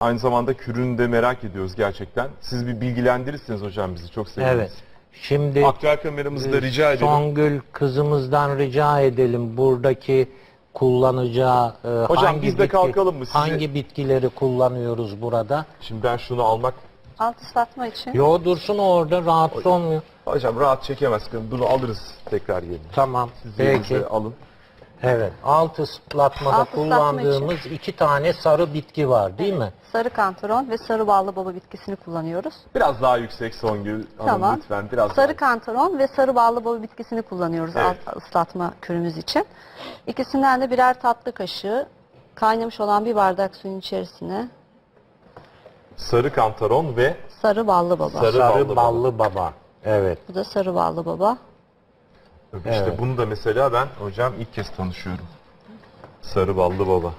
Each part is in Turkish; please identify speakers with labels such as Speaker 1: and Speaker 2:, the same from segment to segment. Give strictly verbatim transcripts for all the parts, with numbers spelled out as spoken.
Speaker 1: Aynı zamanda kürünü de merak ediyoruz gerçekten. Siz bir bilgilendirirsiniz hocam bizi. Çok seviniriz.
Speaker 2: Evet. Şimdi
Speaker 1: Aktüel kameramızı da
Speaker 2: e,
Speaker 1: rica edelim.
Speaker 2: Songül kızımızdan rica edelim buradaki kullanacağı e,
Speaker 1: Hocam
Speaker 2: hangi
Speaker 1: biz de
Speaker 2: bitki-
Speaker 1: kalkalım mı? Sizi-
Speaker 2: hangi bitkileri kullanıyoruz burada?
Speaker 1: Şimdi ben şunu almak...
Speaker 3: Alt ıslatma için.
Speaker 2: Yo dursun orada rahatsız olmuyor.
Speaker 1: Hocam rahat çekemez. Bunu alırız tekrar yerine.
Speaker 2: Tamam.
Speaker 1: Siz
Speaker 2: Peki.
Speaker 1: yerinize alın.
Speaker 2: Evet. Alt ıslatmada
Speaker 3: Alt ıslatma
Speaker 2: kullandığımız iki tane sarı bitki var değil mi?
Speaker 3: Sarı kantaron ve sarı ballı baba bitkisini kullanıyoruz.
Speaker 1: Biraz daha yüksek Songül Hanım
Speaker 3: Tamam.
Speaker 1: lütfen. Biraz
Speaker 3: Sarı
Speaker 1: daha.
Speaker 3: kantaron ve sarı ballı baba bitkisini kullanıyoruz
Speaker 1: Evet.
Speaker 3: alt ıslatma kürümüz için. İkisinden de birer tatlı kaşığı kaynamış olan bir bardak suyun içerisine
Speaker 1: Sarı kantaron ve
Speaker 3: sarı ballı baba.
Speaker 1: Sarı
Speaker 2: Sarı,
Speaker 1: ballı
Speaker 2: ballı, baba. Evet.
Speaker 3: Bu da sarı ballı baba.
Speaker 1: işte
Speaker 2: Evet.
Speaker 1: bunu da mesela ben hocam ilk kez tanışıyorum. Sarı ballı baba.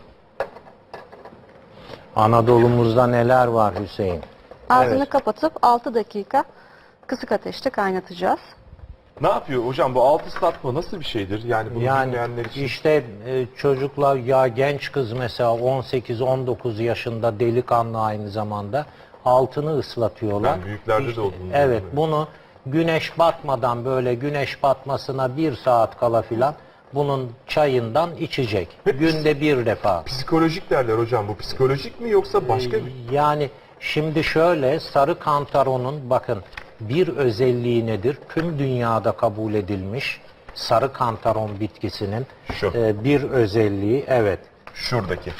Speaker 2: Anadolu'muzda neler var Hüseyin?
Speaker 3: Ağzını
Speaker 2: Evet.
Speaker 3: kapatıp altı dakika kısık ateşte kaynatacağız.
Speaker 1: Ne yapıyor hocam bu alt ıslatma nasıl bir şeydir? Yani bunu
Speaker 2: Yani
Speaker 1: bilmeyenler için.
Speaker 2: işte e, çocuklar ya genç kız mesela on sekiz on dokuz yaşında delikanlı aynı zamanda altını ıslatıyorlar.
Speaker 1: Ben büyüklerde de
Speaker 2: İşte,
Speaker 1: olduğunu
Speaker 2: Evet
Speaker 1: biliyorum.
Speaker 2: bunu güneş batmadan böyle güneş batmasına bir saat kala filan bunun çayından içecek.
Speaker 1: Hep
Speaker 2: Günde bir defa.
Speaker 1: Psikolojik derler hocam. Bu psikolojik mi yoksa başka bir...
Speaker 2: Yani şimdi şöyle sarı kantaronun bakın bir özelliği nedir? Tüm dünyada kabul edilmiş sarı kantaron bitkisinin
Speaker 1: Şu.
Speaker 2: e, bir özelliği evet.
Speaker 1: Şuradaki.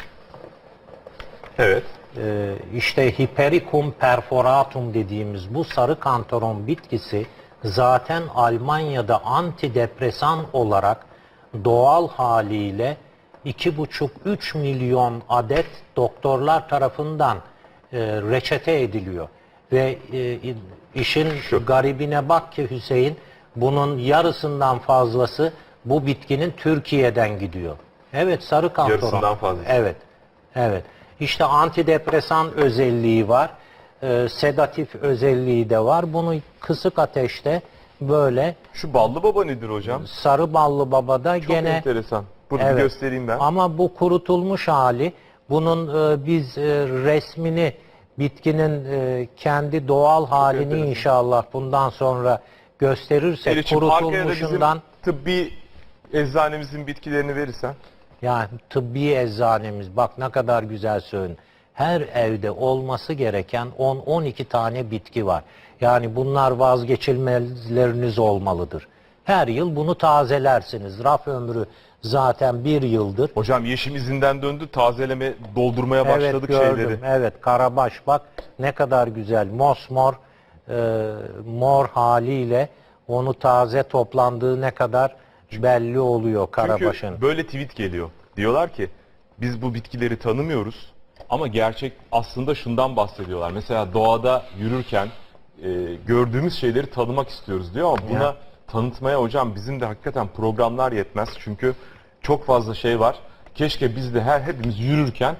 Speaker 1: Evet.
Speaker 2: e, işte Hypericum perforatum dediğimiz bu sarı kantaron bitkisi zaten Almanya'da antidepresan olarak doğal haliyle iki buçuk üç milyon adet doktorlar tarafından e, reçete ediliyor. Ve e, işin
Speaker 1: Şu.
Speaker 2: garibine bak ki Hüseyin, bunun yarısından fazlası bu bitkinin Türkiye'den gidiyor. Evet sarı kantaron.
Speaker 1: Yarısından fazlası.
Speaker 2: Evet. Evet. İşte antidepresan özelliği var. E, sedatif özelliği de var. Bunu kısık ateşte böyle
Speaker 1: Şu ballı baba nedir hocam?
Speaker 2: sarı ballı babada
Speaker 1: Çok
Speaker 2: gene
Speaker 1: enteresan. Burada bir
Speaker 2: evet.
Speaker 1: göstereyim ben.
Speaker 2: Ama bu kurutulmuş hali. Bunun e, biz e, resmini bitkinin e, kendi doğal halini
Speaker 1: enteresan.
Speaker 2: inşallah bundan sonra gösterirsek
Speaker 1: Elif'ciğim, arkaya da bizim
Speaker 2: kurutulmuşundan
Speaker 1: tıbbi eczanemizin bitkilerini verirsen.
Speaker 2: yani tıbbi eczanemiz bak ne kadar güzel söyledin. Her evde olması gereken on on iki tane bitki var. Yani bunlar vazgeçilmezleriniz olmalıdır. Her yıl bunu tazelersiniz. Raf ömrü zaten bir yıldır.
Speaker 1: Hocam yeşim izinden döndü. Tazeleme, doldurmaya başladık
Speaker 2: evet gördüm.
Speaker 1: şeyleri.
Speaker 2: Evet karabaş bak ne kadar güzel. Mosmor e, mor haliyle onu taze toplandığı ne kadar belli oluyor karabaşın.
Speaker 1: Çünkü böyle tweet geliyor. Diyorlar ki biz bu bitkileri tanımıyoruz ama gerçek aslında şundan bahsediyorlar. Mesela doğada yürürken e, gördüğümüz şeyleri tanımak istiyoruz diyor ama buna
Speaker 2: Ya.
Speaker 1: tanıtmaya hocam bizim de hakikaten programlar yetmez. Çünkü çok fazla şey var. Keşke biz de her hepimiz yürürken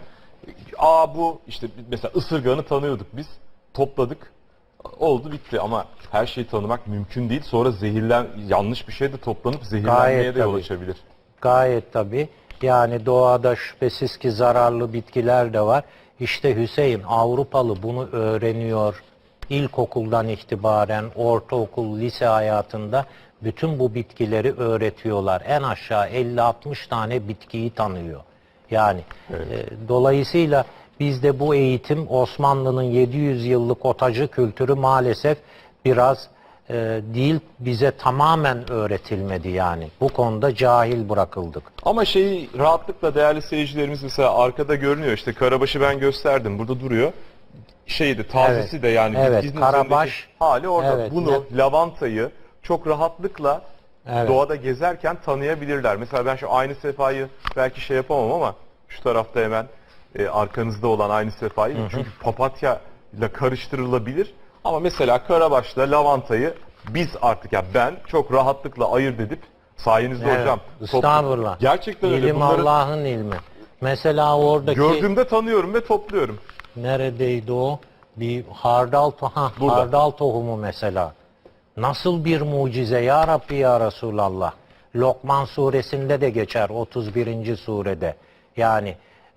Speaker 1: aa bu işte mesela ısırganı tanıyorduk biz. Topladık. Oldu bitti ama her şeyi tanımak mümkün değil. Sonra zehirlen yanlış bir şey de toplanıp zehirlenmeye
Speaker 2: Gayet
Speaker 1: de yol
Speaker 2: tabii.
Speaker 1: açabilir.
Speaker 2: Gayet tabii. Yani doğada şüphesiz ki zararlı bitkiler de var. İşte Hüseyin Avrupalı bunu öğreniyor. İlkokuldan itibaren ortaokul, lise hayatında bütün bu bitkileri öğretiyorlar. En aşağı elli altmış tane bitkiyi tanıyor. Yani
Speaker 1: Evet.
Speaker 2: e, dolayısıyla bizde bu eğitim Osmanlı'nın yedi yüz yıllık otacı kültürü maalesef biraz e, değil bize tamamen öğretilmedi yani. Bu konuda cahil bırakıldık.
Speaker 1: Ama şeyi rahatlıkla değerli seyircilerimiz mesela arkada görünüyor işte karabaşı ben gösterdim burada duruyor. Şeydi tazesi
Speaker 2: Evet.
Speaker 1: de yani
Speaker 2: Evet,
Speaker 1: bitkinin
Speaker 2: karabaş.
Speaker 1: üzerindeki hali orada.
Speaker 2: Evet,
Speaker 1: Bunu
Speaker 2: net.
Speaker 1: lavantayı çok rahatlıkla
Speaker 2: Evet.
Speaker 1: doğada gezerken tanıyabilirler. Mesela ben şu aynı sefayı belki şey yapamam ama şu tarafta hemen e, arkanızda olan aynı sefayı çünkü papatya ile karıştırılabilir. Ama mesela karabaşla lavantayı biz artık ya ben çok rahatlıkla ayırt edip sayenizde
Speaker 2: Evet,
Speaker 1: hocam.
Speaker 2: estağfurullah.
Speaker 1: Gerçekten öyle.
Speaker 2: İlim
Speaker 1: Bunları
Speaker 2: Allah'ın ilmi. Mesela oradaki
Speaker 1: gördüğümde tanıyorum ve topluyorum.
Speaker 2: neredeydi o? Bir hardal, to ha,
Speaker 1: Burada.
Speaker 2: hardal tohumu mesela. Nasıl bir mucize ya Rabbi ya Resulallah. Lokman suresinde de geçer otuz birinci surede. Yani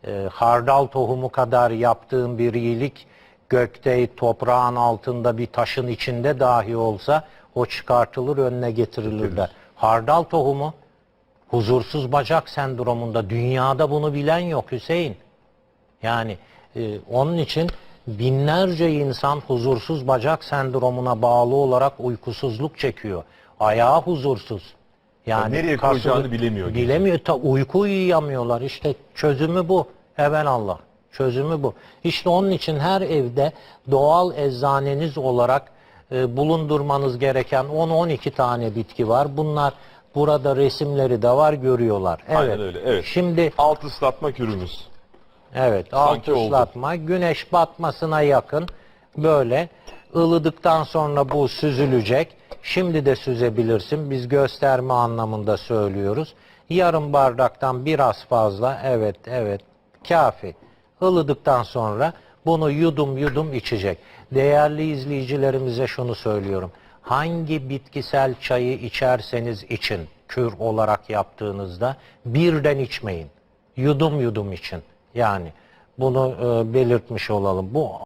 Speaker 2: e, hardal tohumu kadar yaptığın bir iyilik gökte, toprağın altında, bir taşın içinde dahi olsa o çıkartılır, önüne getirilir der. Hardal tohumu huzursuz bacak sendromunda, dünyada bunu bilen yok Hüseyin. Yani e, onun için binlerce insan huzursuz bacak sendromuna bağlı olarak uykusuzluk çekiyor. Ayağı huzursuz. Yani
Speaker 1: nereye
Speaker 2: kasılı-
Speaker 1: koyacağını bilemiyor gece.
Speaker 2: Bilemiyor. Ta, uyku uyuyamıyorlar. İşte çözümü bu. Evelallah. Çözümü bu. İşte onun için her evde doğal eczaneniz olarak e, bulundurmanız gereken on on iki tane bitki var. Bunlar burada resimleri de var, görüyorlar. Evet.
Speaker 1: Aynen öyle, evet.
Speaker 2: Şimdi
Speaker 1: Alt ıslatma kürümüz.
Speaker 2: evet,
Speaker 1: Sanki
Speaker 2: alt
Speaker 1: oldu.
Speaker 2: ıslatma, güneş batmasına yakın böyle ılıdıktan sonra bu süzülecek. Şimdi de süzebilirsin. Biz gösterme anlamında söylüyoruz. Yarım bardaktan biraz fazla, evet evet, kafi. Ilıdıktan sonra bunu yudum yudum içecek. Değerli izleyicilerimize şunu söylüyorum. Hangi bitkisel çayı içerseniz için, kür olarak yaptığınızda birden içmeyin. Yudum yudum için. Yani bunu e, belirtmiş olalım. Bu